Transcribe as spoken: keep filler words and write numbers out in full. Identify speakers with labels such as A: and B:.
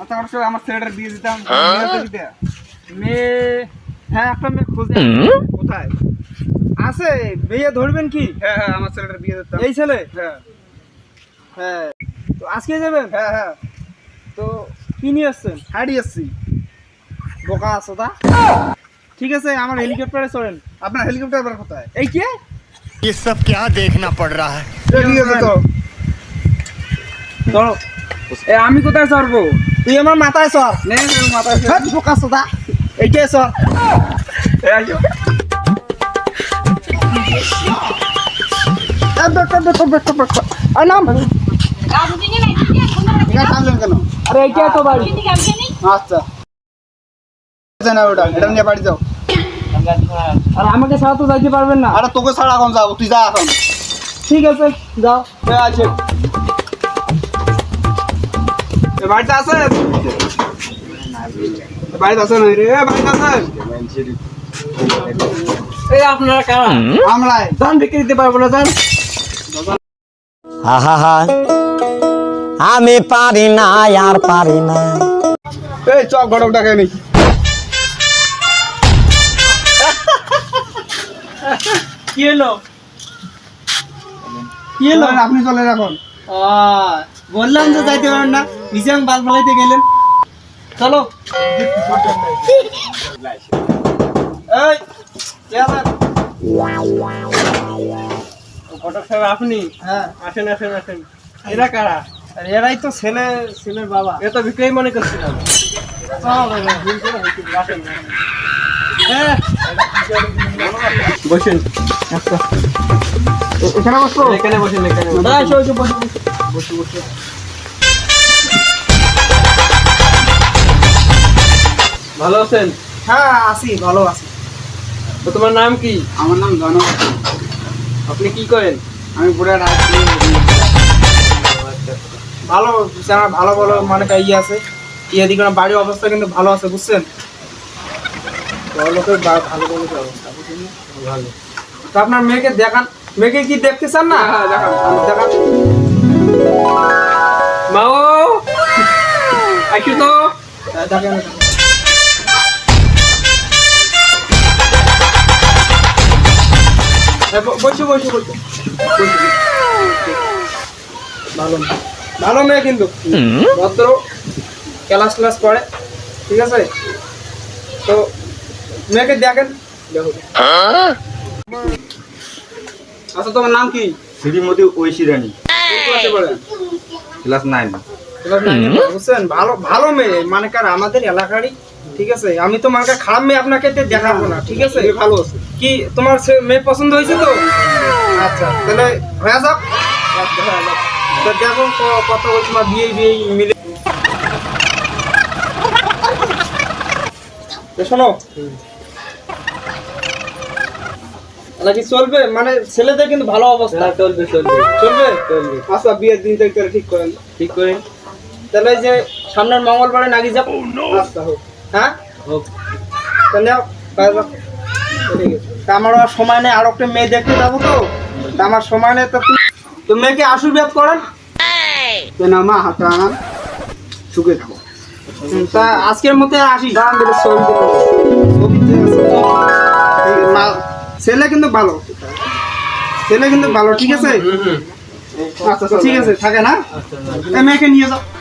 A: আচ্ছা অবশ্যই আমার ছেলেটার বিয়ে দিতাম দিতে মেয়ে হ্যাঁ একটা মেয়ে খুঁজে কোথায় আছে বিয়ে ধরবেন কি হ্যাঁ হ্যাঁ আমার ছেলেটার বিয়ে দিতাম এই ছেলে হ্যাঁ হ্যাঁ তো আজকে যাবেন হ্যাঁ হ্যাঁ তো কি নিয়ে আসছেন হাড়ি আসছি বোকা আছো তা ঠিক আছে আমার হেলিকপ্টারে চলেন আপনার হেলিকপ্টার আবার কোথায় এই কে
B: ये सब क्या देखना पड़ रहा है
A: ঠিক আছে তো চলো এ আমি কোথায় চড়বো তুই আমার মাথায় চড় নে মাথায় চড় বোকা আছো তা এইটাই চড় এ আইও এ বেটা বেটা বেটা বেটা আই নাম আরে এইটাই তো বাড়ি আচ্ছা না ওটা এটা নিয়ে বাড়ি যাও আর আমাকে ছাড়া তো যাইতে পারবেন না আরে তোকে ছাড়া এখন যাবো তুই যা এখন ঠিক আছে যাও আছে বাড়িতে আছে বাড়িতে আছে না রে বাড়িতে আছে এই আপনারা কারা আমরাই ধান বিক্রি দিতে পারবো না জান
B: আহা আমি পারি না আর পারি না
A: এই চক ঘটক ডাকে নি কি হলো কি হলো আপনি চলেন এখন বললাম তো যাইতে পারেন না নিচে আমি বাল ফালাইতে গেলেন চলো এই কে আছেন ঘটক সাহেব আপনি হ্যাঁ আসেন আসেন আসেন এরা কারা এরাই তো ছেলে ছেলের বাবা এ তো বিক্রয় মনে করছিলাম বসেন এখানে বসো এখানে বসেন এখানে বসে বসে বসে ভালো আছেন হ্যাঁ আছি ভালো আছি তো তোমার নাম কি আমার নাম জন আপনি কি করেন আমি পুরা রাত ভালো আমার ভালো ভালো মানে ইয়ে আছে ইয়ে দিকে বাড়ির অবস্থা কিন্তু ভালো আছে বুঝছেন লোকের ভালো ভালো অবস্থা বুঝছেন ভালো তো আপনার মেয়েকে দেখান মেয়েকে কি দেখতে চান না হ্যাঁ দেখান দেখান মাও আইছো তো দেখেন বসো বসো বসো ভালো ভালো মেয়ে কিন্তু ভদ্র ক্লাস ক্লাস পড়ে ঠিক আছে তো মেয়েকে দেখেন দেখো আচ্ছা তোমার নাম কি
C: শ্রীমতী ঐশী রানী
A: ক্লাসে পড়ে
C: ক্লাস নাইন
A: ক্লাস নাইন বুঝছেন ভালো ভালো মেয়ে মানে কার আমাদের এলাকারই ঠিক আছে আমি তো মার্কা খারাপ মেয়ে আপনাকে দেখাবো না ঠিক আছে ভালো আছে কি তোমার মেয়ে পছন্দ হয়েছে তো আচ্ছা তাহলে হয়ে যাক তো দেখো কত তোমার বিয়ে বিয়ে মিলে শোনো নাকি চলবে মানে ছেলেদের কিন্তু ভালো অবস্থা চলবে চলবে চলবে চলবে আচ্ছা বিয়ের দিন থেকে ঠিক করেন ঠিক করেন তাহলে যে সামনের মঙ্গলবারে নাকি যাব আচ্ছা হোক হ্যাঁ হোক তাহলে আমার আর সময় নেই আর একটা মেয়ে দেখতে যাবো তো আমার সময় নেই তো তো মেয়েকে আশীর্বাদ করেন না মা হাতে আনান সুখে থাকো তা আজকের মধ্যে আসি দাম দেবে ছবি ছেলে কিন্তু ভালো ছেলে কিন্তু ভালো ঠিক আছে আচ্ছা ঠিক আছে থাকে না মেয়েকে নিয়ে যাও